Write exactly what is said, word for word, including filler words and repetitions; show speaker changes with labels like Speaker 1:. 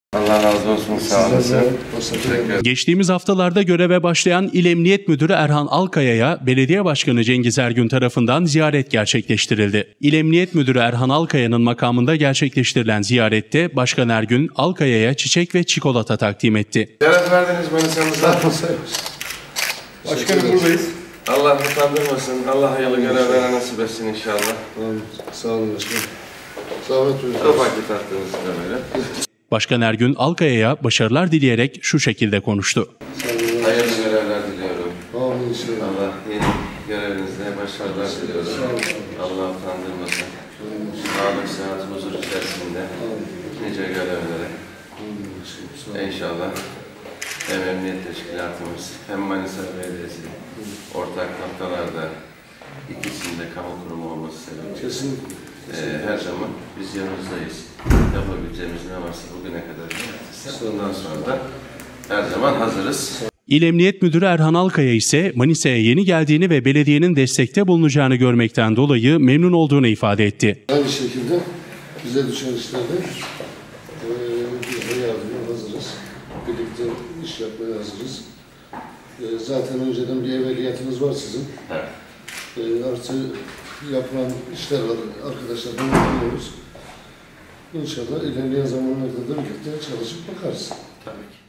Speaker 1: Allah razı olsun, sağ olasın.
Speaker 2: Geçtiğimiz haftalarda göreve başlayan İl Emniyet Müdürü Erhan Alkaya'ya Belediye Başkanı Cengiz Ergün tarafından ziyaret gerçekleştirildi. İl Emniyet Müdürü Erhan Alkaya'nın makamında gerçekleştirilen ziyarette Başkan Ergün, Alkaya'ya çiçek ve çikolata takdim etti.
Speaker 1: Ziyaret verdiniz Manisa'mıza.
Speaker 3: Başkanım buradayız.
Speaker 1: Allah utandırmasın, Allah hayırlı görevlere nasip etsin inşallah.
Speaker 3: Amin. Sağ olun başkanım. Zahmet buyurun.
Speaker 1: Ufak bir tatlınız da böyle.
Speaker 2: Başkan Ergün, Alkaya'ya başarılar dileyerek şu şekilde konuştu.
Speaker 1: Hayırlı görevler diliyorum.
Speaker 3: Amin inşallah.
Speaker 1: Allah yeni görevinizde başarılar diliyorum. Allah utandırmasın. Sağlık, sıhhat, huzur içerisinde nice görevlere. İnşallah hem Emniyet Teşkilatımız hem Manisa Belediyesi ortak noktalarda ikisinde kamu kurumu olması sebebiyle
Speaker 3: Kesinlikle.
Speaker 1: Ee, her zaman biz yanınızdayız. Yapabileceğimiz ne varsa bugüne kadar yaptık. Ondan sonra da her zaman hazırız.
Speaker 2: İl Emniyet Müdürü Erhan Alkaya ise Manisa'ya yeni geldiğini ve belediyenin destekte bulunacağını görmekten dolayı memnun olduğunu ifade etti.
Speaker 3: Aynı şekilde bize düşen işlerde e, biz de yardıma hazırız. Birlikte iş yapmaya hazırız. E, zaten önceden bir evveliyatınız var sizin.
Speaker 1: Evet.
Speaker 3: E, artı yapılan işler var. Arkadaşlardan yapıyoruz. İnşallah ilerleyen zamanlarda da birlikte çalışıp bakarız.
Speaker 1: Tabii ki.